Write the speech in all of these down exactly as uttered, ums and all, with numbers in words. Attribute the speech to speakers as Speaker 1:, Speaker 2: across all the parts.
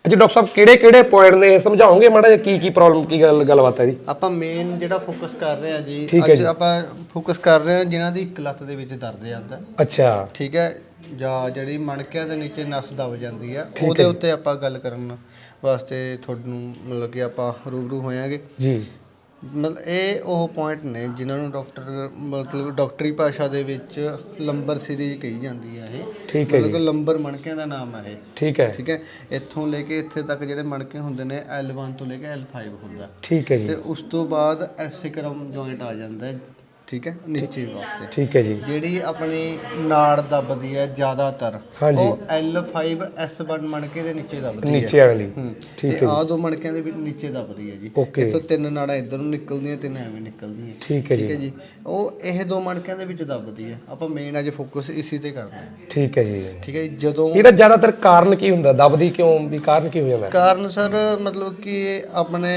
Speaker 1: अच्छा डॉक्टर साहब किहड़े किहड़े पॉइंट ने समझाओगे माड़ा जिहा की की प्रॉब्लम की गल गलबात है जी?
Speaker 2: ਆਪਾਂ ਮੇਨ ਜਿਹੜਾ ਫੋਕਸ ਕਰ ਰਹੇ ਹਾਂ ਜੀ ਅੱਜ ਆਪਾਂ ਫੋਕਸ ਕਰ ਰਹੇ ਹਾਂ ਜਿਨ੍ਹਾਂ ਦੀ ਇੱਕ ਲੱਤ ਦੇ ਵਿੱਚ ਦਰਦ ਜਾਂਦਾ।
Speaker 1: ਅੱਛਾ
Speaker 2: ਠੀਕ ਹੈ, ਜਾਂ ਜਿਹੜੀ ਮਣਕਿਆਂ ਦੇ ਨੀਚੇ ਨਸ ਦਬ ਜਾਂਦੀ ਆ ਉਹਦੇ ਉੱਤੇ ਆਪਾਂ ਗੱਲ ਕਰਨ ਵਾਸਤੇ ਤੁਹਾਨੂੰ ਮਤਲਬ ਕਿ ਆਪਾਂ ਰੂਬਰੂ ਹੋਵਾਂਗੇ ਜੀ। ਮਤਲਬ ਇਹ ਉਹ ਪੁਆਇੰਟ ਨੇ ਜਿਨ੍ਹਾਂ ਨੂੰ ਡਾਕਟਰ ਮਤਲਬ ਡਾਕਟਰੀ ਭਾਸ਼ਾ ਦੇ ਵਿੱਚ ਲੰਬਰ ਸੀਰੀਜ਼ ਕਹੀ ਜਾਂਦੀ ਹੈ। ਇਹ ਠੀਕ ਹੈ ਜੀ, ਲੰਬਰ ਮਣਕਿਆਂ ਦਾ ਨਾਮ ਹੈ ਇਹ। ਠੀਕ ਹੈ ਠੀਕ ਹੈ, ਇੱਥੋਂ ਲੈ ਕੇ ਇੱਥੇ ਤੱਕ ਜਿਹੜੇ ਮਣਕੇ ਹੁੰਦੇ ਨੇ ਐਲ ਵਨ ਤੋਂ ਲੈ ਕੇ ਐਲ ਫਾਈਵ ਹੁੰਦਾ। ਠੀਕ ਹੈ ਜੀ, ਤੇ ਉਸ ਤੋਂ ਬਾਅਦ ਐਸਿਕਰਮ ਜੁਆਇੰਟ ਆ ਜਾਂਦਾ ਹੈ। ਠੀਕ ਹੈ, ਨੀਚੇ ਵਾਸਤੇ। ਠੀਕ ਹੈ ਜੀ, ਜਿਹੜੀ ਆਪਣੀ ਨਾੜ ਦੱਬਦੀ ਹੈ ਜ਼ਿਆਦਾਤਰ ਉਹ ਐਲ ਫਾਈਵ ਐਸ ਵਨ ਮਣਕੇ ਦੇ ਨੀਚੇ ਦੱਬਦੀ ਹੈ, ਨੀਚੇ ਵਾਲੀ। ਠੀਕ ਹੈ, ਆਹ ਦੋ ਮਣਕਿਆਂ ਦੇ ਵਿੱਚ ਨੀਚੇ ਦੱਬਦੀ ਹੈ ਜੀ। ਇੱਥੋਂ ਤਿੰਨ ਨਾੜਾਂ ਇੱਧਰ ਨੂੰ ਨਿਕਲਦੀਆਂ, ਤਿੰਨ ਐਵੇਂ ਨਿਕਲਦੀਆਂ। ਠੀਕ ਹੈ ਜੀ, ਉਹ ਇਹ ਦੋ ਮਣਕਿਆਂ ਦੇ ਵਿੱਚ ਦੱਬਦੀ ਹੈ। ਆਪਾਂ ਮੇਨ ਅੱਜ ਫੋਕਸ ਇਸੇ ਤੇ ਕਰਨਾ ਹੈ। ਠੀਕ ਹੈ ਜੀ ਠੀਕ ਹੈ, ਜਦੋਂ
Speaker 1: ਇਹਦਾ ਜ਼ਿਆਦਾਤਰ ਕਾਰਨ ਕੀ ਹੁੰਦਾ, ਦੱਬਦੀ ਕਿਉਂ ਵੀ ਕਾਰਨ ਕੀ ਹੋ ਜਾਂਦਾ?
Speaker 2: ਕਾਰਨ ਸਰ ਮਤਲਬ ਕਿ ਆਪਣੇ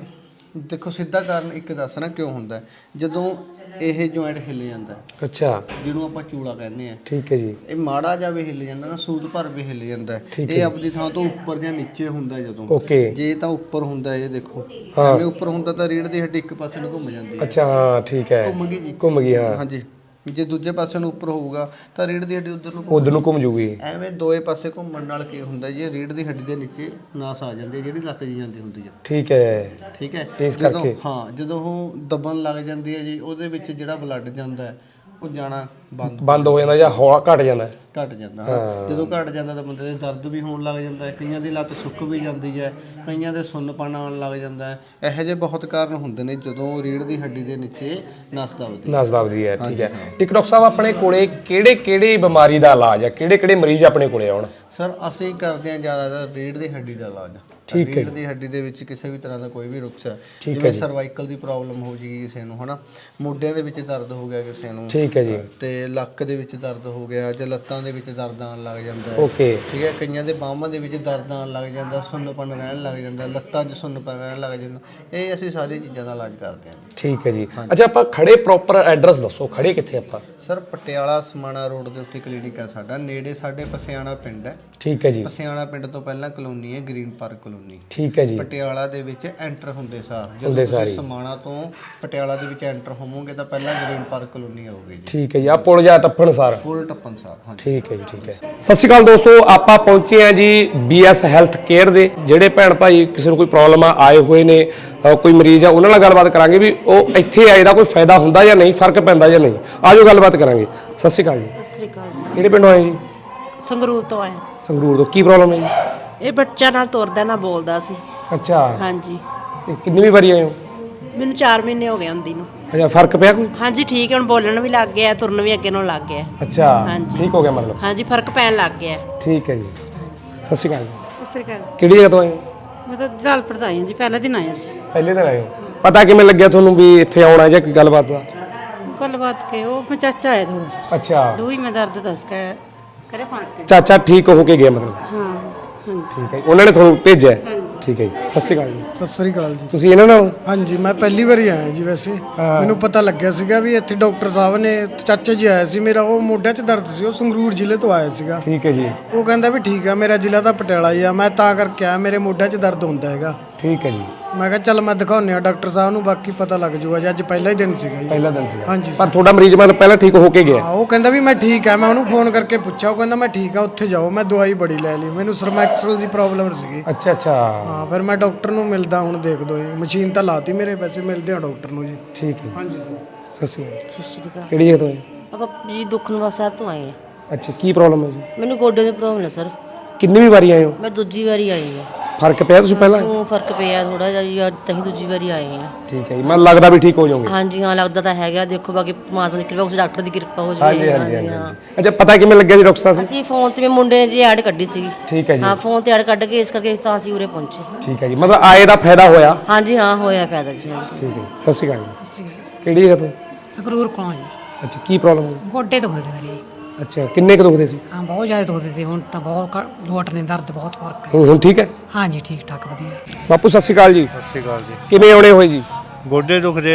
Speaker 2: ਦੇਖੋ ਸਿੱਧਾ ਕਾਰਨ ਇੱਕ ਦੱਸਣਾ ਕਿਉਂ ਹੁੰਦਾ, ਜਦੋਂ ਇਹ ਜੁਆਇੰਟ ਹਿੱਲ ਜਾਂਦਾ। ਅੱਛਾ, ਜਿਹਨੂੰ ਆਪਾਂ ਚੂਲਾ ਕਹਿੰਦੇ ਆ। ਠੀਕ ਹੈ ਜੀ, ਇਹ ਮਾੜਾ ਜਿਹਾ ਵੀ ਹਿੱਲ ਜਾਂਦਾ ਨਾ, ਸੂਤ ਭਰ ਵੀ ਹਿੱਲ ਜਾਂਦਾ। ਇਹ ਆਪਣੀ ਥਾਂ ਤੋਂ ਉੱਪਰ ਜਾਂ ਨੀਚੇ ਹੁੰਦਾ ਜਦੋਂ। ਓਕੇ, ਜੇ ਤਾਂ ਉੱਪਰ ਹੁੰਦਾ ਇਹ ਦੇਖੋ ਐਵੇਂ ਉੱਪਰ ਹੁੰਦਾ ਤਾਂ ਰੀੜ ਦੀ ਹੱਡੀ ਇੱਕ ਪਾਸੇ ਨੂੰ ਘੁੰਮ ਜਾਂਦੀ ਹੈ।
Speaker 1: ਅੱਛਾ ਹਾਂ ਠੀਕ ਹੈ, ਘੁੰਮ ਗਈ ਜੀ, ਘੁੰਮ ਗਈ ਹਾਂ ਹਾਂਜੀ। ਜੇ ਦੂਜੇ ਪਾਸੇ ਨੂੰ ਉੱਪਰ ਹੋਊਗਾ ਤਾਂ ਰੀੜ ਦੀ ਹੱਡੀ ਉਧਰ ਨੂੰ ਉਧਰ ਨੂੰ ਘੁੰਮ ਜੂਗੀ। ਐਵੇਂ ਦੋਏ ਪਾਸੇ ਘੁੰਮਣ ਨਾਲ ਕੀ ਹੁੰਦਾ ਜੀ, ਰੀੜ ਦੀ ਹੱਡੀ ਦੇ ਨੀਚੇ ਨਾਸ ਆ ਜਾਂਦੀ ਹੈ ਜਿਹੜੀ ਲੱਤ ਜੀ ਜਾਂਦੀ ਹੁੰਦੀ ਹੈ। ਠੀਕ ਹੈ ਠੀਕ ਹੈ, ਇਸ ਕਰਕੇ ਹਾਂ ਜਦੋਂ ਉਹ ਦਬਣ ਲੱਗ ਜਾਂਦੀ ਹੈ ਜੀ ਉਹਦੇ ਵਿੱਚ ਜਿਹੜਾ ਬਲੱਡ ਜਾਂਦਾ ਹੈ ਉਹ ਜਾਣਾ ਬੰਦ ਬੰਦ ਹੋ ਜਾਂਦਾ ਜਾਂ ਹੌਲਾ ਘਟ ਜਾਂਦਾ ਘਟ ਜਾਂਦਾ ਜਦੋਂ ਘਟ ਜਾਂਦਾ ਤਾਂ ਬੰਦੇ ਦੇ ਦਰਦ ਵੀ ਹੋਣ ਲੱਗ ਜਾਂਦਾ ਹੈ, ਕਈਆਂ ਦੀ ਲੱਤ ਸੁੱਕ ਵੀ ਜਾਂਦੀ ਹੈ, ਕਈਆਂ ਦੇ ਸੁੰਨਪਣ ਆਉਣ ਲੱਗ ਜਾਂਦਾ ਹੈ। ਇਹੋ ਜਿਹੇ ਬਹੁਤ ਕਾਰਨ ਹੁੰਦੇ ਨੇ ਜਦੋਂ ਰੀੜ ਦੀ ਹੱਡੀ ਦੇ ਨੀਚੇ ਨਸ ਦਬਦੀ ਨਸ ਦਬਦੀ ਹੈ। ਠੀਕ ਹੈ, ਇੱਕ ਡਾਕਟਰ ਸਾਹਿਬ ਆਪਣੇ ਕੋਲੇ ਕਿਹੜੇ ਕਿਹੜੇ ਬਿਮਾਰੀ ਦਾ ਇਲਾਜ ਹੈ, ਕਿਹੜੇ ਕਿਹੜੇ ਮਰੀਜ਼ ਆਪਣੇ ਕੋਲੇ ਆਉਣ? ਸਰ ਅਸੀਂ ਕਰਦੇ ਹਾਂ ਜ਼ਿਆਦਾਤਰ ਰੀੜ ਦੀ ਹੱਡੀ ਦਾ ਇਲਾਜ। ਰੀੜ ਦੀ ਹੱਡੀ ਦੇ ਵਿੱਚ ਕਿਸੇ ਵੀ ਤਰ੍ਹਾਂ ਦਾ ਕੋਈ ਵੀ ਨੁਕਸ ਹੈ, ਜਿਵੇਂ ਸਰਵਾਈਕਲ ਦੀ ਪ੍ਰੋਬਲਮ ਹੋ ਜਾਏਗੀ ਕਿਸੇ ਨੂੰ ਹਨਾ, ਮੋਢਿਆਂ ਦੇ ਵਿੱਚ ਦਰਦ ਹੋ ਗਿਆ ਕਿਸੇ ਨੂੰ। ਠੀਕ ਹੈ ਜੀ, ਤੇ ਲੱਕ ਦੇ ਵਿੱਚ ਦਰਦ ਹੋ ਗਿਆ ਜਾਂ ਲੱਤਾਂ ਦੇ ਵਿੱਚ ਦਰਦ ਆਉਣ ਲੱਗ ਜਾਂਦਾ ਹੈ। ਓਕੇ ਠੀਕ ਹੈ, ਕਈਆਂ ਦੇ ਬਾਹਾਂ ਦੇ ਵਿੱਚ ਦਰਦ ਆਉਣ ਲੱਗ ਜਾਂਦਾ, ਸੁੰਨਪਣ ਰਹਿਣ ਲੱਗ ਜਾਂਦਾ, ਲੱਤਾਂ 'ਚ ਸੁੰਨਪਣ ਰਹਿਣ ਲੱਗ ਜਾਂਦਾ। ਇਹ ਅਸੀਂ ਸਾਰੀ ਚੀਜ਼ਾਂ ਦਾ ਇਲਾਜ ਕਰਦੇ ਹਾਂ। ਠੀਕ ਹੈ ਜੀ, ਅੱਛਾ ਆਪਾਂ ਖੜੇ ਪ੍ਰੋਪਰ ਐਡਰੈਸ ਦੱਸੋ, ਖੜੇ ਕਿੱਥੇ ਆਪਾਂ? ਸਰ ਪਟਿਆਲਾ ਸਮਾਣਾ ਰੋਡ ਦੇ ਉੱਤੇ ਕਲੀਨਿਕ ਹੈ ਸਾਡਾ, ਨੇੜੇ ਸਾਡੇ ਪਸਿਆਣਾ ਪਿੰਡ ਹੈ। ਠੀਕ ਹੈ ਜੀ, ਪਸਿਆਣਾ ਪਿੰਡ ਤੋਂ ਪਹਿਲਾਂ ਕਲੋਨੀ ਹੈ ਗ੍ਰੀਨ ਪਾਰਕ ਕਲੋਨੀ। ਠੀਕ ਹੈ ਜੀ, ਪਟਿਆਲਾ ਦੇ ਵਿੱਚ ਐਂਟਰ ਹੁੰਦੇ ਸਾਰ ਜਦੋਂ ਤੁਸੀਂ ਸਮਾਣਾ ਤੋਂ ਪਟਿਆਲਾ ਦੇ ਵਿੱਚ ਐਂਟਰ ਹੋਵੋਗੇ ਤਾਂ ਪਹਿਲਾਂ ਗ੍ਰੀਨ ਪਾਰਕ ਕਲੋਨੀ ਆਊਗੀ। ਠੀਕ ਹੈ ਜੀ, ਆ ਪੁਲ ਜਾ ਟੱਪਣ ਸਾਰ ਪੁਲ ਟੱਪਣ ਸਾਰ ਹਾਂ ਠੀਕ ਹੈ ਜੀ ਠੀਕ ਹੈ। ਸਤਿ ਸ਼੍ਰੀ ਅਕਾਲ ਦੋਸਤੋ, ਆਪਾਂ ਪਹੁੰਚੇ ਆ ਜੀ ਬੀ ਐਸ ਹੈਲਥ ਕੇਅਰ ਦੇ। ਜਿਹੜੇ ਭੈਣ ਭਾਈ ਕਿਸੇ ਨੂੰ ਕੋਈ ਪ੍ਰੋਬਲਮ ਆ ਆਏ ਹੋਏ ਨੇ, ਕੋਈ ਮਰੀਜ਼ ਆ, ਉਹਨਾਂ ਨਾਲ ਗੱਲਬਾਤ ਕਰਾਂਗੇ ਵੀ ਉਹ ਇੱਥੇ ਆਏ ਦਾ ਕੋਈ ਫਾਇਦਾ ਹੁੰਦਾ ਜਾਂ ਨਹੀਂ, ਫਰਕ ਪੈਂਦਾ ਜਾਂ ਨਹੀਂ। ਆਜੋ ਗੱਲਬਾਤ ਕਰਾਂਗੇ। ਸਤਿ ਸ਼੍ਰੀ ਅਕਾਲ ਜੀ।
Speaker 3: ਸਤਿ ਸ਼੍ਰੀ ਅਕਾਲ ਜੀ।
Speaker 1: ਕਿਹੜੇ ਪਿੰਡੋਂ ਆਏ ਜੀ?
Speaker 3: ਸੰਗਰੂਰ ਤੋਂ ਆਏ।
Speaker 1: ਸੰਗਰੂਰ ਤੋਂ, ਕੀ ਪ੍ਰੋਬਲਮ ਹੈ ਜੀ?
Speaker 3: ਇਹ ਬੱਚਾ ਨਾਲ ਤੁਰਦਾ ਨਾ ਬੋਲਦਾ ਸੀ। ਅੱਛਾ ਹਾਂਜੀ। ਕਿੰਨੀ
Speaker 1: ਵਾਰੀ ਆਏ ਹੋ?
Speaker 3: ਮੈਨੂੰ ਚਾਰ ਮਹੀਨੇ ਹੋ ਗਏ ਹੁੰਦੀ ਨੂੰ।
Speaker 1: ਅੱਛਾ, ਫਰਕ ਪਿਆ ਕੋਈ?
Speaker 3: ਹਾਂਜੀ ਠੀਕ ਹੈ, ਹੁਣ ਬੋਲਣ ਵੀ ਲੱਗ ਗਿਆ, ਤੁਰਨ ਵੀ ਅੱਗੇ ਨੂੰ ਲੱਗ ਗਿਆ।
Speaker 1: ਅੱਛਾ ਹਾਂਜੀ, ਠੀਕ ਹੋ ਗਿਆ ਮਤਲਬ? ਹਾਂਜੀ,
Speaker 3: ਫਰਕ ਪੈਣ ਲੱਗ ਗਿਆ।
Speaker 1: ਠੀਕ ਹੈ ਜੀ। ਸਤਿ ਸ਼੍ਰੀ ਅਕਾਲ ਜੀ।
Speaker 4: ਸਤਿ ਸ਼੍ਰੀ ਅਕਾਲ।
Speaker 1: ਕਿਹੜੀ ਜਗ੍ਹਾ ਤੋਂ ਆਏ ਹੋ?
Speaker 4: ਮੈਂ ਤਾਂ ਜਲਾਲਪੁਰ ਤੋਂ ਆਈ ਹਾਂ ਜੀ, ਪਹਿਲੇ ਦਿਨ ਆਇਆ ਜੀ।
Speaker 1: ਪਹਿਲੇ ਦਿਨ ਆਏ ਹੋ, ਪਤਾ ਕਿਵੇਂ ਲੱਗਿਆ ਤੁਹਾਨੂੰ ਵੀ ਇੱਥੇ ਆਉਣਾ ਜਾਂ ਕੋਈ ਗੱਲਬਾਤ ਦਾ?
Speaker 4: ਗੱਲਬਾਤ ਕੇ ਉਹ ਮੈਂ ਚਾਚਾ ਆਇਆ ਥੋੜਾ।
Speaker 1: ਅੱਛਾ,
Speaker 4: ਦੂਈ ਮੈਂ ਦਰਦ ਦੱਸ ਕੇ ਕਰੇ ਫਰਕ।
Speaker 1: ਚਾਚਾ ਠੀਕ ਹੋ ਕੇ ਗਿਆ ਮਤਲਬ?
Speaker 4: ਹਾਂ ਹਾਂਜੀ
Speaker 1: ਠੀਕ ਹੈ, ਉਹਨਾਂ ਨੇ ਤੁਹਾਨੂੰ ਭੇਜਿਆ? ਠੀਕ ਹੈ ਜੀ। ਸਤਿ ਸ਼੍ਰੀ ਅਕਾਲ ਜੀ।
Speaker 5: ਸਤਿ ਸ੍ਰੀ ਅਕਾਲ ਜੀ।
Speaker 1: ਤੁਸੀਂ ਇਹਨਾਂ ਨਾਲ?
Speaker 5: ਹਾਂਜੀ, ਮੈਂ ਪਹਿਲੀ ਵਾਰੀ ਆਇਆ ਜੀ। ਵੈਸੇ ਮੈਨੂੰ ਪਤਾ ਲੱਗਿਆ ਸੀਗਾ ਵੀ ਇੱਥੇ ਡਾਕਟਰ ਸਾਹਿਬ ਨੇ, ਚਾਚਾ ਜੀ ਆਇਆ ਸੀ ਮੇਰਾ, ਉਹ ਮੋਢਿਆਂ 'ਚ ਦਰਦ ਸੀ, ਉਹ ਸੰਗਰੂਰ ਜ਼ਿਲ੍ਹੇ ਤੋਂ ਆਇਆ ਸੀਗਾ। ਠੀਕ ਹੈ ਜੀ। ਉਹ ਕਹਿੰਦਾ ਵੀ ਠੀਕ ਆ, ਮੇਰਾ ਜ਼ਿਲ੍ਹਾ ਤਾਂ ਪਟਿਆਲਾ ਹੀ ਆ, ਮੈਂ ਤਾਂ ਕਰਕੇ ਆਇਆ, ਮੇਰੇ ਮੋਢਿਆਂ 'ਚ ਦਰਦ ਹੁੰਦਾ ਹੈਗਾ। ਠੀਕ ਹੈ ਜੀ। ਮੈਂ ਕਿਹਾ ਚੱਲ ਮੈਂ ਦਿਖਾਉਂਦੇ ਆ ਡਾਕਟਰ ਸਾਹਿਬ ਨੂੰ, ਬਾਕੀ ਪਤਾ ਲੱਗ ਜੂਗਾ ਜੀ। ਅੱਜ ਪਹਿਲਾ ਹੀ ਦਿਨ ਸੀਗਾ ਜੀ। ਪਹਿਲਾ ਦਿਨ ਸੀਗਾ ਹਾਂਜੀ। ਪਰ ਤੁਹਾਡਾ ਮਰੀਜ਼ ਮਤਲਬ ਪਹਿਲਾਂ ਠੀਕ ਹੋ ਕੇ ਗਿਆ? ਹਾਂ, ਉਹ ਕਹਿੰਦਾ ਵੀ ਮੈਂ ਠੀਕ ਆ। ਮੈਂ ਉਹਨੂੰ ਫੋਨ ਕਰਕੇ ਪੁੱਛਿਆ, ਉਹ ਕਹਿੰਦਾ ਮੈਂ ਠੀਕ ਆ, ਉੱਥੇ ਜਾਓ। ਮੈਂ ਦਵਾਈ ਬੜੀ ਲੈ ਲਈ, ਮੈਨੂੰ ਸਰਮੈਕਸਲ ਦੀ ਪ੍ਰੋਬਲਮ ਸੀਗੀ। ਅੱਛਾ ਅੱਛਾ ਹਾਂ, ਫਿਰ ਮੈਂ ਡਾਕਟਰ ਨੂੰ ਮਿਲਦਾ ਹੁਣ, ਦੇਖ ਦੋ ਜੀ, ਮਸ਼ੀਨ ਤਾਂ ਲਾਤੀ ਮੇਰੇ, ਪੈਸੇ ਮਿਲਦੇ ਆ ਡਾਕਟਰ ਨੂੰ ਜੀ। ਠੀਕ ਹੈ ਹਾਂਜੀ ਸਰ। ਸਤਿ ਸ਼੍ਰੀ ਅਕਾਲ।
Speaker 4: ਸਤਿ ਸ਼੍ਰੀ ਅਕਾਲ।
Speaker 1: ਕਿਹੜੀ ਜਗ੍ਹਾ ਤੋਂ ਆਏ?
Speaker 4: ਆਪਾਂ ਜੀ ਦੁੱਖਨਿਵਾਰਨ ਸਾਹਿਬ ਤੋਂ ਆਏ ਆ।
Speaker 1: ਅੱਛਾ, ਕੀ ਪ੍ਰੋਬਲਮ ਹੈ ਜੀ?
Speaker 4: ਮੈਨੂੰ ਗੋਡੇ ਦੀ ਪ੍ਰੋਬਲਮ ਹੈ ਸਰ।
Speaker 1: ਕਿੰਨੀ ਵੀ ਵਾਰੀ ਆਏ ਹੋ?
Speaker 4: ਮੈਂ ਦੂਜੀ ਵਾਰੀ ਆਈ ਹਾਂ।
Speaker 1: ਫਰਕ ਪਿਆ ਤੁਸੀਂ ਪਹਿਲਾਂ?
Speaker 4: ਉਹ ਫਰਕ ਪਿਆ ਥੋੜਾ ਜਿਹਾ ਜੀ, ਅੱਜ ਤਹੀਂ ਦੂਜੀ ਵਾਰੀ ਆਏ ਆ।
Speaker 1: ਠੀਕ ਹੈ ਜੀ, ਮੈਨੂੰ ਲੱਗਦਾ ਵੀ ਠੀਕ ਹੋ ਜਾਓਗੇ।
Speaker 4: ਹਾਂਜੀ ਹਾਂ, ਲੱਗਦਾ ਤਾਂ ਹੈਗਾ, ਦੇਖੋ ਬਾਕੀ ਪਰਮਾਤਮਾ ਦੀ ਕਿਰਪਾ, ਉਸ ਡਾਕਟਰ ਦੀ ਕਿਰਪਾ ਹੋ
Speaker 1: ਜਾਵੇ। ਹਾਂਜੀ ਹਾਂਜੀ ਹਾਂਜੀ। ਅੱਛਾ, ਪਤਾ ਕਿਵੇਂ ਲੱਗਿਆ ਜੀ ਡਾਕਟਰ ਸਾਹਿਬ?
Speaker 4: ਅਸੀਂ ਫੋਨ ਤੇ ਮੁੰਡੇ ਨੇ ਜੀ ਐਡ ਕੱਢੀ ਸੀਗੀ। ਠੀਕ ਹੈ ਜੀ। ਹਾਂ, ਫੋਨ ਤੇ ਐਡ ਕੱਢ ਕੇ ਇਸ ਕਰਕੇ ਤਾਂ ਅਸੀਂ ਉਰੇ ਪਹੁੰਚੇ। ਠੀਕ ਹੈ ਜੀ, ਮਤਲਬ ਆਏ ਦਾ ਫਾਇਦਾ ਹੋਇਆ? ਹਾਂਜੀ ਹਾਂ, ਹੋਇਆ ਫਾਇਦਾ ਜੀ।
Speaker 1: ਠੀਕ ਹੈ, ਸਤਿ ਸ਼੍ਰੀ ਅਕਾਲ ਜੀ। ਕਿਹੜੀ ਜਗ੍ਹਾ ਤੋਂ?
Speaker 4: ਸੰਗਰੂਰ ਕੋਲੋਂ ਜੀ।
Speaker 1: ਅੱਛਾ, ਕੀ ਪ੍ਰੋਬਲਮ ਹੈ?
Speaker 4: ਗੋਡੇ ਦੁਖਦੇ ਮੇਰੇ।
Speaker 1: ਅੱਛਾ, ਕਿੰਨੇ ਕੁ ਦੁਖਦੇ ਸੀ?
Speaker 4: ਹਾਂ, ਬਹੁਤ ਜ਼ਿਆਦਾ ਦੁਖਦੇ ਸੀ, ਹੁਣ ਤਾਂ ਬਹੁਤ ਲੋਟ ਨੇ, ਦਰਦ ਬਹੁਤ ਫਰਕ ਹੈ।
Speaker 1: ਹੁਣ ਹੁਣ ਠੀਕ ਹੈ?
Speaker 4: ਹਾਂਜੀ ਠੀਕ ਠਾਕ ਵਧੀਆ।
Speaker 1: ਬਾਪੂ ਸਤਿ ਸ਼੍ਰੀ ਅਕਾਲ ਜੀ।
Speaker 6: ਸਤਿ ਸ਼੍ਰੀ ਅਕਾਲ ਜੀ।
Speaker 1: ਕਿਵੇਂ ਆਉਣੇ ਹੋਏ ਜੀ?
Speaker 6: ਗੋਡੇ ਦੁਖਦੇ ਆ ਜੀ।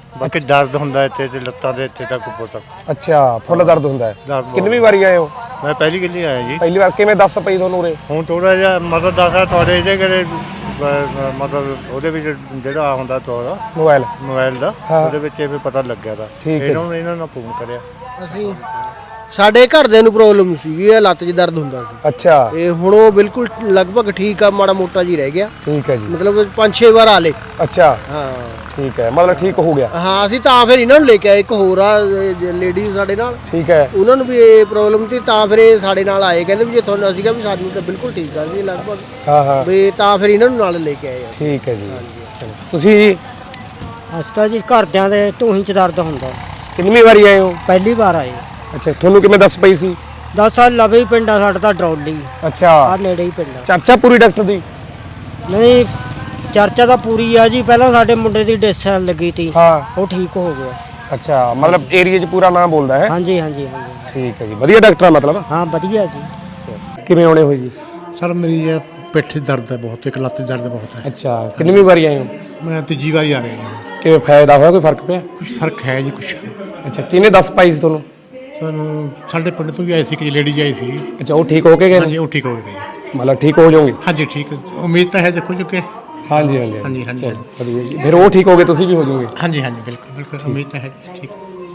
Speaker 6: ਬਾਕੀ ਦਰਦ ਹੁੰਦਾ ਇੱਥੇ ਤੇ ਲੱਤਾਂ ਦੇ ਇੱਥੇ ਤੱਕ ਉੱਪਰ ਤੱਕ।
Speaker 7: ਅੱਛਾ ਫੁੱਲ ਦਰਦ ਹੁੰਦਾ ਹੈ।
Speaker 6: ਦਰਦ ਬਹੁਤ।
Speaker 7: ਕਿੰਨੀ ਵਾਰੀ ਆਏ ਹੋ?
Speaker 6: ਮੈਂ ਪਹਿਲੀ ਕਿੱਲੀ ਆਇਆ ਜੀ।
Speaker 7: ਪਹਿਲੀ ਵਾਰ ਕਿਵੇਂ ਦੱਸ ਪਈ ਤੁਹਾਨੂੰ ਉਰੇ?
Speaker 6: ਹੁਣ ਥੋੜਾ ਜਿਹਾ ਮਦਦ ਦੱਸਦਾ ਤੁਹਾਡੇ ਇਹਦੇ ਕਰੇ ਮਤਲਬ ਉਹਦੇ ਵਿੱਚ ਜਿਹੜਾ ਹੁੰਦਾ ਤੁਹਾਡਾ
Speaker 7: ਮੋਬਾਈਲ
Speaker 6: ਮੋਬਾਈਲ ਦਾ ਉਹਦੇ ਵਿੱਚ ਇਹ ਵੀ ਪਤਾ ਲੱਗਿਆ ਦਾ
Speaker 7: ਠੀਕ ਹੈ।
Speaker 6: ਇਹਨਾਂ ਨੂੰ ਇਹਨਾਂ ਨੂੰ ਫੋਨ ਕਰਿਆ।
Speaker 2: ਅਸੀਂ ਸਾਡੇ ਘਰਦਿਆਂ ਨੂੰ ਪ੍ਰੋਬਲਮ ਸੀਗੀ, ਇਹ ਲੱਤ 'ਚ ਦਰਦ ਹੁੰਦਾ ਸੀ।
Speaker 7: ਅੱਛਾ
Speaker 2: ਇਹ ਹੁਣ ਉਹ ਬਿਲਕੁਲ ਲਗਭਗ ਠੀਕ ਆ, ਮਾੜਾ ਮੋਟਾ ਜੀ ਰਹਿ ਗਿਆ।
Speaker 7: ਠੀਕ ਹੈ ਜੀ।
Speaker 2: ਮਤਲਬ ਪੰਜ ਛੇ ਵਾਰ ਆ ਲੇ।
Speaker 7: ਅੱਛਾ
Speaker 2: ਹਾਂ
Speaker 7: ਠੀਕ ਹੈ, ਮਤਲਬ ਠੀਕ ਹੋ ਗਿਆ।
Speaker 2: ਹਾਂ ਅਸੀਂ ਤਾਂ ਫਿਰ ਇਹਨਾਂ ਨੂੰ ਲੈ ਕੇ ਆਏ, ਇੱਕ ਹੋਰ ਆ ਲੇਡੀ ਸਾਡੇ ਨਾਲ,
Speaker 7: ਠੀਕ ਹੈ।
Speaker 2: ਉਹਨਾਂ ਨੂੰ ਵੀ ਇਹ ਪ੍ਰੋਬਲਮ ਸੀ ਤਾਂ ਫਿਰ ਇਹ ਸਾਡੇ ਨਾਲ ਆਏ, ਕਹਿੰਦੇ ਵੀ ਜੇ ਤੁਹਾਨੂੰ ਅਸੀਂ ਕਿਹਾ ਵੀ ਸਾਨੂੰ ਤਾਂ ਬਿਲਕੁਲ ਠੀਕ ਆ ਜੀ ਲਗਭਗ,
Speaker 7: ਹਾਂ ਹਾਂ
Speaker 2: ਵੀ ਤਾਂ ਫਿਰ ਇਹਨਾਂ ਨੂੰ ਨਾਲ ਲੈ ਕੇ ਆਏ ਆ।
Speaker 7: ਠੀਕ ਹੈ ਜੀ। ਚਲੋ। ਤੁਸੀਂ ਜੀ
Speaker 8: ਹਸਤਾ ਜੀ ਘਰਦਿਆਂ ਦੇ ਢੂਹੀ ਚ ਦਰਦ ਹੁੰਦਾ।
Speaker 7: ਕਿੰਨੀ ਵਾਰੀ ਆਏ ਹੋ?
Speaker 8: ਪਹਿਲੀ ਵਾਰ ਆਏ।
Speaker 7: ਅੱਛਾ ਤੁਹਾਨੂੰ ਕਿਵੇਂ ਦੱਸ ਪਈ ਸੀ?
Speaker 8: ਦਸ ਸਾਲ ਲਵੇ ਹੀ ਪਿੰਡ ਆ ਸਾਡਾ ਤਾਂ ਡਰੌਲੀ,
Speaker 7: ਅੱਛਾ
Speaker 8: ਆ ਨੇੜੇ ਹੀ ਪਿੰਡ ਆ।
Speaker 7: ਚਰਚਾ ਪੂਰੀ ਡਾਕਟਰ ਦੀ?
Speaker 8: ਨਹੀਂ ਚਰਚਾ ਤਾਂ ਪੂਰੀ ਆ ਜੀ, ਪਹਿਲਾਂ ਸਾਡੇ ਮੁੰਡੇ ਦੀ ਡਿਸ ਲੱਗੀ ਤੀ,
Speaker 7: ਹਾਂ
Speaker 8: ਉਹ ਠੀਕ ਹੋ ਗਿਆ।
Speaker 7: ਅੱਛਾ ਮਤਲਬ ਏਰੀਆ 'ਚ ਪੂਰਾ ਨਾਮ ਬੋਲਦਾ ਹੈ?
Speaker 8: ਹਾਂਜੀ ਹਾਂਜੀ ਹਾਂਜੀ
Speaker 7: ਠੀਕ ਹੈ ਜੀ, ਵਧੀਆ ਡਾਕਟਰ ਆ ਮਤਲਬ?
Speaker 8: ਹਾਂ ਵਧੀਆ ਜੀ।
Speaker 7: ਕਿਵੇਂ ਆਉਣੇ ਹੋਏ ਜੀ?
Speaker 9: ਸਰ ਮੇਰੀ ਇਹ ਪਿੱਠ 'ਚ ਦਰਦ ਹੈ ਬਹੁਤ, ਇੱਕ ਲੱਤ 'ਚ ਦਰਦ ਬਹੁਤ ਹੈ।
Speaker 7: ਅੱਛਾ ਕਿੰਨੀ ਵਾਰੀ ਆਏ ਹੋ?
Speaker 9: ਮੈਂ ਤੀਜੀ ਵਾਰੀ ਆ ਰਿਹਾ ਹਾਂ।
Speaker 7: ਕਿਵੇਂ ਫਾਇਦਾ ਹੋਇਆ, ਕੋਈ ਫਰਕ ਪਿਆ?
Speaker 9: ਕੁਝ ਫਰਕ ਹੈ ਜੀ ਕੁਝ।
Speaker 7: ਅੱਛਾ ਕਿਹਨੇ ਦੱਸ ਪਾਈ ਸੀ ਤੁਹਾਨੂੰ?
Speaker 9: ਸਾਨੂੰ ਸਾਡੇ ਪਿੰਡ ਤੋਂ ਵੀ ਆਈ ਸੀ ਕਿ ਲੇਡੀ ਆਈ ਸੀ।
Speaker 7: ਅੱਛਾ ਉਹ ਠੀਕ ਹੋ ਕੇ ਗਏ
Speaker 9: ਹਾਂਜੀ
Speaker 7: ਨੇ?
Speaker 9: ਉਹ ਠੀਕ ਹੋ ਗਈ।
Speaker 7: ਮਤਲਬ ਠੀਕ ਹੋ ਜਾਓਗੇ?
Speaker 9: ਹਾਂਜੀ ਠੀਕ, ਉਮੀਦ ਤਾਂ ਹੈ ਦੇਖੋ ਜੋ ਕਿ
Speaker 7: ਹਾਂਜੀ ਹਾਂਜੀ
Speaker 9: ਹਾਂਜੀ ਹਾਂਜੀ
Speaker 7: ਚਲੋ, ਵਧੀਆ ਜੀ। ਫਿਰ ਉਹ ਠੀਕ ਹੋ ਗਏ, ਤੁਸੀਂ ਵੀ ਹੋ ਜਾਓਗੇ?
Speaker 9: ਹਾਂਜੀ ਹਾਂਜੀ ਬਿਲਕੁਲ ਬਿਲਕੁਲ ਉਮੀਦ ਤਾਂ ਹੈ ਠੀਕ।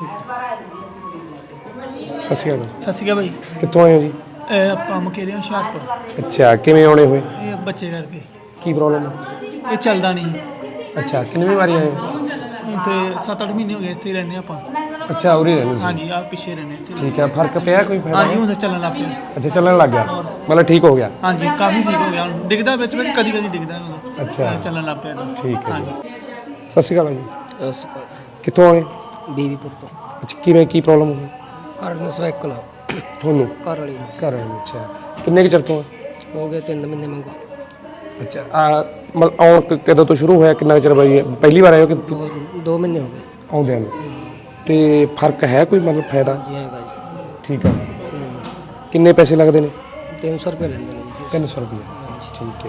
Speaker 7: ਅਸੀਂ ਆ
Speaker 10: ਸਤਿ ਸ਼੍ਰੀ ਅਕਾਲ ਭਾਈ।
Speaker 7: ਕਿੱਥੋਂ ਆਏ ਹੋ ਜੀ?
Speaker 10: ਇਹ ਆਪਾਂ ਮੁਕੇਰੇ ਹੁਸ਼ਿਆਰਪੁਰ।
Speaker 7: ਅੱਛਾ ਕਿਵੇਂ ਆਉਣੇ ਹੋਏ?
Speaker 10: ਇਹ ਬੱਚੇ ਕਰਕੇ
Speaker 7: ਕੀ ਪ੍ਰੋਬਲਮ ਹੈ?
Speaker 10: ਇਹ ਚੱਲਦਾ ਨਹੀਂ
Speaker 7: ਅੱਛਾ ਕਿੰਨੀ ਵਾਰੀ ਆਏ ਹੋ?
Speaker 10: ਹੁਣ ਤੇ ਸੱਤ ਅੱਠ ਮਹੀਨੇ ਹੋ ਗਏ ਇੱਥੇ ਹੀ ਰਹਿੰਦੇ ਆਪਾਂ।
Speaker 7: ਅੱਛਾ ਉਰੇ ਰਹਿੰਦੇ ਸੀ?
Speaker 10: ਹਾਂਜੀ ਆ ਪਿੱਛੇ ਰਹਿੰਦੇ ਇੱਥੇ।
Speaker 7: ਠੀਕ ਹੈ, ਫਰਕ ਪਿਆ ਕੋਈ ਫਾਇਦਾ?
Speaker 10: ਹਾਂਜੀ ਹੁਣ ਤਾਂ ਚੱਲਣ ਲੱਗ ਪਿਆ।
Speaker 7: ਅੱਛਾ ਚੱਲਣ ਲੱਗ ਗਿਆ, ਮਤਲਬ ਠੀਕ ਹੋ ਗਿਆ?
Speaker 10: ਹਾਂਜੀ ਕਾਫੀ ਠੀਕ ਹੋ ਗਿਆ ਹੁਣ, ਡਿੱਗਦਾ ਵਿੱਚ ਵਿੱਚ ਕਦੀ ਕਦੀ ਡਿੱਗਦਾ ਹੁਣ।
Speaker 7: ਅੱਛਾ
Speaker 10: ਚੱਲਣ ਲੱਗ ਪਿਆ ਤਾਂ।
Speaker 7: ਠੀਕ ਹੈ
Speaker 10: ਹਾਂਜੀ
Speaker 7: ਜੀ। ਸਤਿ ਸ਼੍ਰੀ ਅਕਾਲ ਜੀ।
Speaker 2: ਸਤਿ ਸ਼੍ਰੀ ਅਕਾਲ।
Speaker 7: ਕਿੱਥੋਂ ਆਏ?
Speaker 8: ਬੀਵੀਪੁਰ ਤੋਂ।
Speaker 7: ਅੱਛਾ ਕਿਵੇਂ ਕੀ ਪ੍ਰੋਬਲਮ ਹੋਈ
Speaker 8: ਘਰ ਨੂੰ ਸਵੈਕਲ
Speaker 7: ਤੁਹਾਨੂੰ?
Speaker 8: ਘਰ ਵਾਲੀ ਨੂੰ
Speaker 7: ਘਰ ਆਏ ਅੱਛਾ ਕਿੰਨੇ ਕੁ ਚਿਰ ਤੋਂ?
Speaker 8: ਹੋ ਗਏ ਤਿੰਨ ਮਹੀਨੇ ਮੰਗੋ।
Speaker 7: ਅੱਛਾ ਆ ਮਤਲਬ ਆਉਣ ਕ- ਕਦੋਂ ਤੋਂ ਸ਼ੁਰੂ ਹੋਇਆ, ਕਿੰਨਾ ਕੁ ਚਿਰ ਬਾਈ ਪਹਿਲੀ ਵਾਰ ਆਏ ਹੋ ਕਿ
Speaker 8: ਦੋ ਮਹੀਨੇ ਹੋ ਗਏ
Speaker 7: ਆਉਂਦਿਆਂ ਨੂੰ? ਤੇ ਫਰਕ ਹੈ ਕੋਈ ਮਤਲਬ ਫਾਇਦਾ?
Speaker 8: ਜੀ ਹੈਗਾ ਜੀ।
Speaker 7: ਠੀਕ ਹੈ। ਕਿੰਨੇ ਪੈਸੇ ਲੱਗਦੇ ਨੇ?
Speaker 8: ਤਿੰਨ ਸੌ ਰੁਪਏ ਲੈਂਦੇ ਨੇ ਜੀ ਫੀਸ।
Speaker 7: ਤਿੰਨ ਸੌ ਰੁਪਏ ਠੀਕ ਹੈ।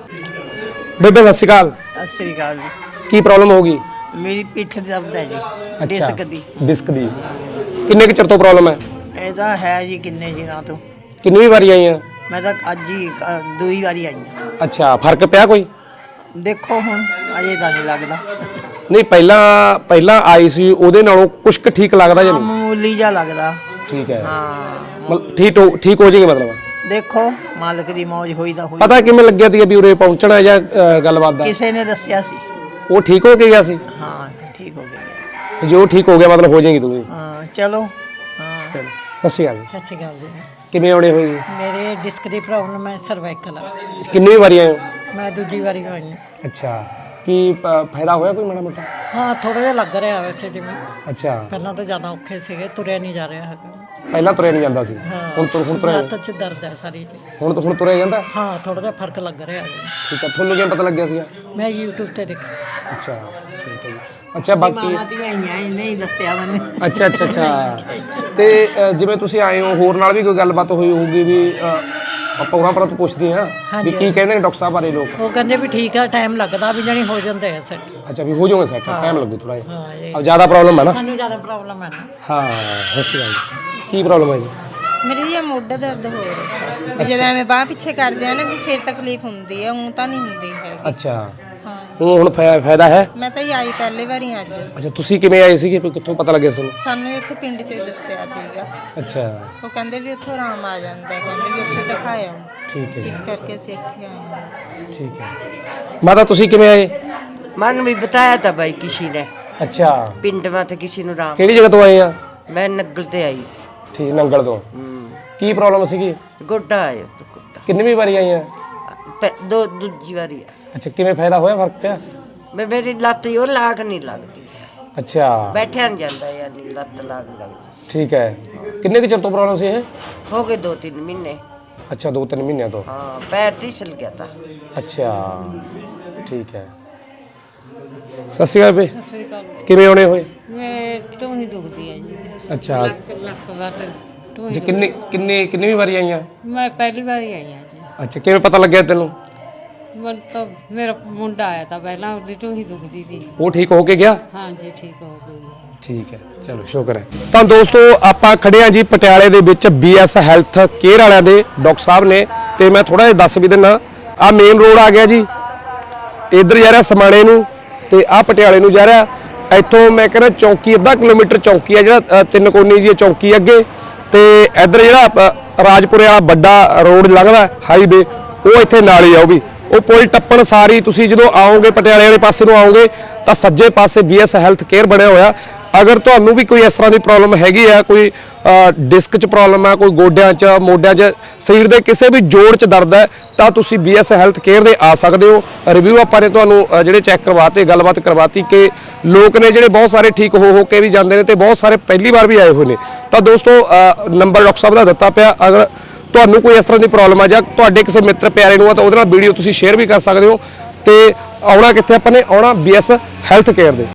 Speaker 7: ਬੇਬੇ ਸਤਿ ਸ਼੍ਰੀ ਅਕਾਲ।
Speaker 3: ਸਤਿ ਸ੍ਰੀ ਅਕਾਲ ਜੀ।
Speaker 7: ਕੀ ਪ੍ਰੋਬਲਮ ਹੋ ਗਈ?
Speaker 3: ਮੇਰੀ ਪਿੱਠ ਦਰਦ ਹੈ ਜੀ,
Speaker 7: ਅੱਛਾ
Speaker 3: ਡਿਸਕ ਦੀ।
Speaker 7: ਡਿਸਕ ਦੀ ਕਿੰਨੇ ਕੁ ਚਿਰ ਤੋਂ ਪ੍ਰੋਬਲਮ ਹੈ?
Speaker 3: ਇਹਦਾ ਹੈ ਜੀ ਕਿੰਨੇ ਦਿਨਾਂ ਤੋਂ।
Speaker 7: ਕਿੰਨੀ ਵਾਰੀ ਆਈ ਆ?
Speaker 3: ਮੈਂ ਤਾਂ ਅੱਜ ਹੀ ਅ, ਦੂਈ ਵਾਰੀ ਆਈ ਹਾਂ।
Speaker 7: ਅੱਛਾ ਫਰਕ ਪਿਆ ਕੋਈ?
Speaker 3: ਦੇਖੋ ਹੁਣ ਅਜੇ ਤਾਂ ਨਹੀਂ ਲੱਗਦਾ।
Speaker 7: ਨਹੀਂ ਪਹਿਲਾਂ ਪਹਿਲਾਂ ਆਈ ਸੀ ਉਹਦੇ ਨਾਲੋਂ ਕੁਛ ਕੁ ਠੀਕ ਲੱਗਦਾ ਜਾਂ ਨਹੀਂ?
Speaker 3: ਮਾਮੂਲੀ ਜਿਹਾ ਲੱਗਦਾ।
Speaker 7: ਠੀਕ ਹੈ,
Speaker 3: ਹਾਂ
Speaker 7: ਮਤਲਬ ਠੀਕ ਹੋ ਠੀਕ ਹੋ ਜਾਏਗੀ ਮਤਲਬ?
Speaker 3: ਦੇਖੋ ਮਾਲਕ ਦੀ ਮੌਜ ਹੋਈ ਤਾਂ ਹੋਈ।
Speaker 7: ਪਤਾ ਕਿਵੇਂ ਲੱਗਿਆ ਤੀ ਵੀ ਉਰੇ ਪਹੁੰਚਣਾ ਜਾਂ ਅ, ਗੱਲਬਾਤ ਦਾ?
Speaker 3: ਕਿਸੇ ਨੇ ਦੱਸਿਆ ਸੀ।
Speaker 7: ਉਹ ਠੀਕ ਹੋ ਕੇ ਗਿਆ ਸੀ?
Speaker 3: ਹਾਂ ਠੀਕ ਹੋ ਗਿਆ।
Speaker 7: ਜੇ ਉਹ ਠੀਕ ਹੋ ਗਿਆ ਮਤਲਬ ਹੋ ਜਾਏਗੀ ਤੂੰ ਵੀ?
Speaker 3: ਹਾਂ ਚਲੋ। ਹਾਂ
Speaker 7: ਸਤਿ ਸ਼੍ਰੀ ਅਕਾਲ ਜੀ।
Speaker 11: ਸਤਿ ਸ਼੍ਰੀ ਅਕਾਲ ਜੀ।
Speaker 7: ਕਿਵੇਂ ਆਉਣੇ ਹੋਏ ਜੀ?
Speaker 11: ਮੇਰੇ ਡਿਸਕ ਦੀ ਪ੍ਰੋਬਲਮ ਹੈ, ਸਰਵਾਈਕਲ ਆ।
Speaker 7: ਕਿੰਨੀ ਵਾਰੀ ਆਏ ਹੋ?
Speaker 11: ਮੈਂ ਦੂਜੀ ਵਾਰੀ ਹੋਈ ਹਾਂ।
Speaker 7: ਅੱਛਾ ਕੀ ਅ, ਫਾਇਦਾ ਹੋਇਆ ਕੋਈ ਮਾੜਾ ਮੋਟਾ?
Speaker 11: ਹਾਂ ਥੋੜਾ ਜਿਹਾ ਲੱਗ ਰਿਹਾ ਵੈਸੇ ਜਿਵੇਂ,
Speaker 7: ਅੱਛਾ
Speaker 11: ਪਹਿਲਾਂ ਤਾਂ ਜ਼ਿਆਦਾ ਔਖੇ ਸੀਗੇ, ਤੁਰਿਆ ਨਹੀਂ ਜਾ ਰਿਹਾ ਹੈਗਾ।
Speaker 7: ਪਹਿਲਾਂ ਤੁਰਿਆ ਨਹੀਂ ਜਾਂਦਾ ਸੀ, ਹੁਣ ਤੁਰ ਹੁਣ ਤੁਰਿਆ?
Speaker 11: ਲੱਤ 'ਚ ਦਰਦ ਹੈ ਸਾਰੀ ਜੀ।
Speaker 7: ਹੁਣ ਹੁਣ ਤੁਰਿਆ ਜਾਂਦਾ?
Speaker 11: ਹਾਂ ਥੋੜਾ ਜਿਹਾ ਫਰਕ ਲੱਗ ਰਿਹਾ ਹੈ।
Speaker 7: ਠੀਕ ਹੈ, ਤੁਹਾਨੂੰ ਕਿਵੇਂ ਪਤਾ ਲੱਗਿਆ ਸੀਗਾ?
Speaker 11: ਮੈਂ YouTube ਤੇ ਦੇਖਿਆ।
Speaker 7: ਅੱਛਾ ਠੀਕ ਹੈ ਜੀ। ਅੱਛਾ ਬਾਕੀ
Speaker 3: ਮਾਮਾ ਦੀਆਂ ਆਈਆਂ ਇਹਨੇ ਹੀ ਦੱਸਿਆ ਮੈਨੂੰ।
Speaker 7: ਅੱਛਾ ਅੱਛਾ ਅੱਛਾ ਤੇ ਅ, ਜਿਵੇਂ ਤੁਸੀਂ ਆਏ ਹੋ ਹੋਰ ਨਾਲ ਵੀ ਕੋਈ ਗੱਲਬਾਤ ਹੋਈ ਹੋਊਗੀ ਵੀ ਅ, ਆਪਾਂ ਉਹਨਾਂ ਪਰ ਤੋਂ ਪੁੱਛਦੇ ਹਾਂ ਵੀ ਕੀ ਕਹਿੰਦੇ ਨੇ ਡਾਕਟਰ ਸਾਹਿਬ ਬਾਰੇ ਲੋਕ?
Speaker 11: ਉਹ ਕਹਿੰਦੇ ਵੀ ਠੀਕ ਆ, ਟਾਈਮ ਲੱਗਦਾ ਵੀ ਜਾਣੀ ਹੋ ਜਾਂਦੇ ਆ ਸੈੱਟ।
Speaker 7: ਅੱਛਾ ਵੀ ਹੋ ਜਾਊਗਾ ਸੈੱਟ, ਟਾਈਮ ਲੱਗੂ ਥੋੜਾ ਜਿਹਾ।
Speaker 11: ਹਾਂ ਇਹ
Speaker 7: ਅਬ ਜ਼ਿਆਦਾ ਪ੍ਰੋਬਲਮ ਹੈ ਨਾ?
Speaker 11: ਸਾਨੂੰ ਜ਼ਿਆਦਾ ਪ੍ਰੋਬਲਮ ਹੈ ਨਾ।
Speaker 7: ਹਾਂ ਸਹੀ ਗੱਲ। ਕੀ ਪ੍ਰੋਬਲਮ ਹੈ ਜੀ?
Speaker 12: ਮੇਰੀ ਜੀ ਮੋਢਾ ਦਰਦ ਹੋ ਰਿਹਾ ਹੈ। ਜਦੋਂ ਐਵੇਂ ਬਾਹ ਪਿੱਛੇ ਕਰਦੇ ਆ ਨਾ ਵੀ ਫਿਰ ਤਕਲੀਫ ਹੁੰਦੀ ਹੈ, ਉਹ ਤਾਂ ਨਹੀਂ ਹੁੰਦੀ ਹੈਗੀ।
Speaker 7: ਅੱਛਾ
Speaker 12: ਹਾਂ
Speaker 7: ਹੁਣ ਹੁਣ ਫਾਇ- ਫਾਇਦਾ ਹੈ?
Speaker 12: ਮੈਂ ਤਾਂ ਹੀ ਆਈ ਪਹਿਲੀ ਵਾਰੀ ਅੱਜ।
Speaker 7: ਅੱਛਾ ਤੁਸੀਂ ਕਿਵੇਂ ਆਏ ਸੀਗੇ, ਕਿੱਥੋਂ ਪਤਾ ਲੱਗਿਆ ਤੁਹਾਨੂੰ?
Speaker 12: ਸਾਨੂੰ ਇੱਥੇ ਪਿੰਡ 'ਚ ਹੀ ਦੱਸਿਆ ਸੀਗਾ।
Speaker 7: ਅੱਛਾ
Speaker 12: ਉਹ ਕਹਿੰਦੇ ਵੀ ਉੱਥੋਂ ਆਰਾਮ ਆ ਜਾਂਦਾ ਹੈ, ਕਹਿੰਦੇ ਵੀ ਉੱਥੇ ਦਿਖਾਇਆ।
Speaker 7: ਠੀਕ ਹੈ ਜੀ,
Speaker 12: ਇਸ ਕਰਕੇ ਅਸੀਂ ਇੱਥੇ ਆਏ ਹਾਂ।
Speaker 7: ਠੀਕ ਹੈ। ਮਾਤਾ ਤੁਸੀਂ ਕਿਵੇਂ ਆਏ?
Speaker 13: मन भी बताया था भाई किसी ने,
Speaker 7: ਅੱਛਾ
Speaker 13: पिंड में थे किसी ने राम।
Speaker 7: ਕਿਹੜੀ ਜਗ੍ਹਾ ਤੋਂ ਆਏ ਆ?
Speaker 13: मैं नगल ते आई।
Speaker 7: ਠੀਕ ਨੰਗਲ ਤੋਂ। ਕੀ ਪ੍ਰੋਬਲਮ ਸੀਗੀ?
Speaker 13: गोडा आयो तो गोडा
Speaker 7: ਕਿੰਨੀ ਵਾਰੀ ਆਈ ਆ?
Speaker 13: पे- दो दूजी बारी है।
Speaker 7: ਅੱਛਾ ਕਿਵੇਂ ਫਾਇਦਾ ਹੋਇਆ, ਫਰਕ ਪਿਆ?
Speaker 13: मैं मेरी लत यो लाग नहीं लगती है,
Speaker 7: ਅੱਛਾ
Speaker 13: बैठा नहीं जाता यानी लत लाग लगती।
Speaker 7: ਠੀਕ ਹੈ। ਕਿੰਨੇ ਕੁ ਚਿਰ ਤੋਂ ਪ੍ਰੋਬਲਮ ਸੀ ਇਹ?
Speaker 13: हो गए दो तीन महीने।
Speaker 7: ਅੱਛਾ ਦੋ ਤਿੰਨ ਮਹੀਨਿਆਂ ਤੋਂ।
Speaker 13: हाँ पैर फिसल गया था।
Speaker 7: ਅੱਛਾ ਠੀਕ ਹੈ। ਸਤਿ ਸ਼੍ਰੀ ਅਕਾਲ ਬੇ। ਕਿਵੇਂ ਆਉਣੇ ਹੋਏ?
Speaker 11: ਮੈਂ ਢੂਹੀ ਦੁਖਦੀ ਹੈ ਜੀ।
Speaker 7: ਅੱਛਾ
Speaker 11: ਲੱਕ ਵਾਰ ਢੂਹੀ।
Speaker 7: ਜੀ ਕਿੰਨੇ ਕਿੰਨੇ ਕਿੰਨੀ ਵਾਰੀ ਆਈਆਂ?
Speaker 11: ਮੈਂ ਪਹਿਲੀ ਵਾਰੀ ਆਈ ਹਾਂ ਜੀ।
Speaker 7: ਅੱਛਾ ਕਿਵੇਂ ਪਤਾ ਲੱਗਿਆ ਤੈਨੂੰ?
Speaker 11: ਮਨ ਤਾਂ ਮੇਰਾ ਮੁੰਡਾ ਆਇਆ ਤਾਂ ਪਹਿਲਾਂ ਉਹਦੀ ਢੂਹੀ ਦੁਖਦੀ ਸੀ
Speaker 7: ਉਹ ਠੀਕ ਹੋ ਕੇ ਗਿਆ?
Speaker 11: ਹਾਂਜੀ ਠੀਕ ਹੋ ਗਈ
Speaker 7: ਠੀਕ ਹੈ, ਚਲੋ ਸ਼ੁਕਰ ਹੈ। ਤਾਂ ਦੋਸਤੋ ਆਪਾਂ ਖੜੇ ਆ ਜੀ ਪਟਿਆਲੇ ਦੇ ਵਿੱਚ ਬੀਐਸ ਹੈਲਥ ਕੇਅਰ ਵਾਲਿਆਂ ਦੇ ਡਾਕਟਰ ਸਾਹਿਬ ਨੇ, ਤੇ ਮੈਂ ਥੋੜਾ ਜਿਹਾ ਦੱਸ ਵੀ ਦਿੰਨਾ। ਆ ਮੇਨ ਰੋਡ ਆ ਗਿਆ ਜੀ, ਇੱਧਰ ਜਾ ਰਿਹਾ ਸਮਾਣੇ ਨੂੰ, ਤੇ ਆ ਪਟਿਆਲੇ ਨੂੰ ਜਾ ਰਿਹਾ। ਇੱਥੋਂ ਮੈਂ ਕਹਿੰਦਾ ਚੌਂਕੀ ਅੱਧਾ ਕਿਲੋਮੀਟਰ ਚੌਂਕੀ ਆ, ਜਿਹੜਾ ਤਿੰਨ ਕੋਨੀ ਜੀ ਚੌਂਕੀ ਅੱਗੇ, ਤੇ ਇੱਧਰ ਜਿਹੜਾ ਰਾਜਪੁਰੇ ਵਾਲਾ ਵੱਡਾ ਰੋਡ ਲੰਘਦਾ ਹਾਈਵੇ, ਉਹ ਇੱਥੇ ਨਾਲ ਹੀ ਆ। ਉਹ ਵੀ ਉਹ ਪੁਲ ਟੱਪਣ ਸਾਰੀ ਤੁਸੀਂ ਜਦੋਂ ਆਓਗੇ ਪਟਿਆਲੇ ਵਾਲੇ ਪਾਸੇ ਨੂੰ ਆਓਗੇ ਤਾਂ ਸੱਜੇ ਪਾਸੇ ਬੀਐਸ ਹੈਲਥ ਕੇਅਰ ਬਣਿਆ ਹੋਇਆ। ਅਗਰ ਤੁਹਾਨੂੰ ਵੀ ਕੋਈ ਇਸ ਤਰ੍ਹਾਂ ਦੀ ਪ੍ਰੋਬਲਮ ਹੈਗੀ ਆ, ਕੋਈ ਡਿਸਕ 'ਚ ਪ੍ਰੋਬਲਮ ਹੈ, ਕੋਈ ਗੋਡਿਆਂ 'ਚ, ਮੋਢਿਆਂ 'ਚ, ਸਰੀਰ ਦੇ ਕਿਸੇ ਵੀ ਜੋੜ 'ਚ ਦਰਦ ਹੈ, ਤਾਂ ਤੁਸੀਂ ਬੀਐਸ ਹੈਲਥ ਕੇਅਰ ਦੇ ਆ ਸਕਦੇ ਹੋ। ਰਿਵਿਊ ਆਪਾਂ ਨੇ ਤੁਹਾਨੂੰ ਜਿਹੜੇ ਚੈੱਕ ਕਰਵਾਤੇ, ਗੱਲਬਾਤ ਕਰਵਾਤੀ ਕਿ ਲੋਕ ਨੇ ਜਿਹੜੇ ਬਹੁਤ ਸਾਰੇ ਠੀਕ ਹੋ ਹੋ ਕੇ ਵੀ ਜਾਂਦੇ ਨੇ, ਤੇ ਬਹੁਤ ਸਾਰੇ ਪਹਿਲੀ ਵਾਰ ਵੀ ਆਏ ਹੋਏ ਨੇ। ਤਾਂ ਦੋਸਤੋ ਨੰਬਰ ਡਾਕਟਰ ਸਾਹਿਬ ਦਾ ਦਿੱਤਾ ਪਿਆ, ਅਗਰ ਤੁਹਾਨੂੰ ਕੋਈ ਇਸ ਤਰ੍ਹਾਂ ਦੀ ਪ੍ਰੋਬਲਮ ਆ ਜਾਂ ਤੁਹਾਡੇ ਕਿਸੇ ਮਿੱਤਰ ਪਿਆਰੇ ਨੂੰ ਆ ਤਾਂ ਉਹਦੇ ਨਾਲ ਵੀਡੀਓ ਤੁਸੀਂ ਸ਼ੇਅਰ ਵੀ ਕਰ ਸਕਦੇ ਹੋ। ਤੇ ਆਉਣਾ ਕਿੱਥੇ ਆਪਾਂ ਨੇ, ਆਉਣਾ ਬੀਐਸ ਹੈਲਥ ਕੇਅਰ ਦੇ।